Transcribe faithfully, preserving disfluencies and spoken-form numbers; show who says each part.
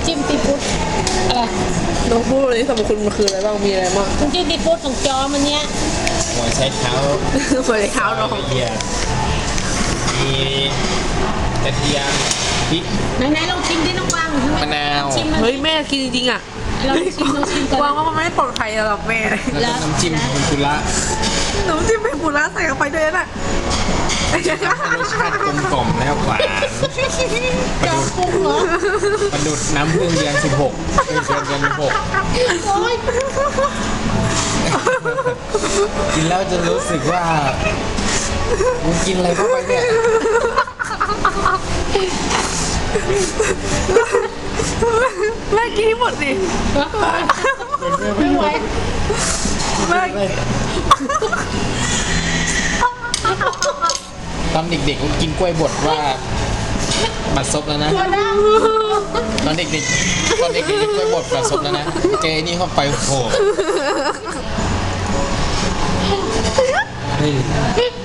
Speaker 1: จิ้มซีฟู้ดอะไร
Speaker 2: น้องพูดเลยสรรพคุณมันคืออะไรบ้างมีอะไรบ้าง
Speaker 1: น้ำจิ้มซีฟู้ดของจอมันเนี้ย
Speaker 3: หัวใช้เท้า
Speaker 2: สวยเท้าน้อง
Speaker 3: ละเอียดมีกระเทียมพริก
Speaker 1: ไหนๆลองชิมดิน้องวาง
Speaker 3: มะนาว
Speaker 1: ชิมมัน
Speaker 2: เฮ้ยแม่กินจริงๆอ่ะ
Speaker 1: ลองชิมลองชิมก่อน
Speaker 2: วางว่ามันไม่ปลอดภัยสำหรับแม่
Speaker 3: แล้วก็น้ำจิ้มคุณกุระ
Speaker 2: น้ำจิ้มเป็นปูร้าใส่เข้าไปด้วยน่ะ
Speaker 3: ให้รสชาติกลมกล่อมแล้วหวานประ
Speaker 1: จอ
Speaker 3: ดุด
Speaker 1: ปรุงเหรอ
Speaker 3: ประดุดน้ำผึ้งเดือนสิบหกเดือนเดือนสิบหก
Speaker 1: โอ๊ย
Speaker 3: กินแล้วจะรู้สึกว่ามึงกินอะไรเข้าไปเนี่ย
Speaker 2: แม่กินให้หมดสิ
Speaker 1: ไม่ไหว
Speaker 2: แม่
Speaker 3: ตอนเด็กๆก็กินกล้วยบดว่าบัดซบแล้วนะ
Speaker 1: ตัวดัง
Speaker 3: ตอนเด็กๆตอนเด็กๆกินกล้วยบดบัดซบแล้วนะเจนี่เข้าไปโอ้โหเฮ้ย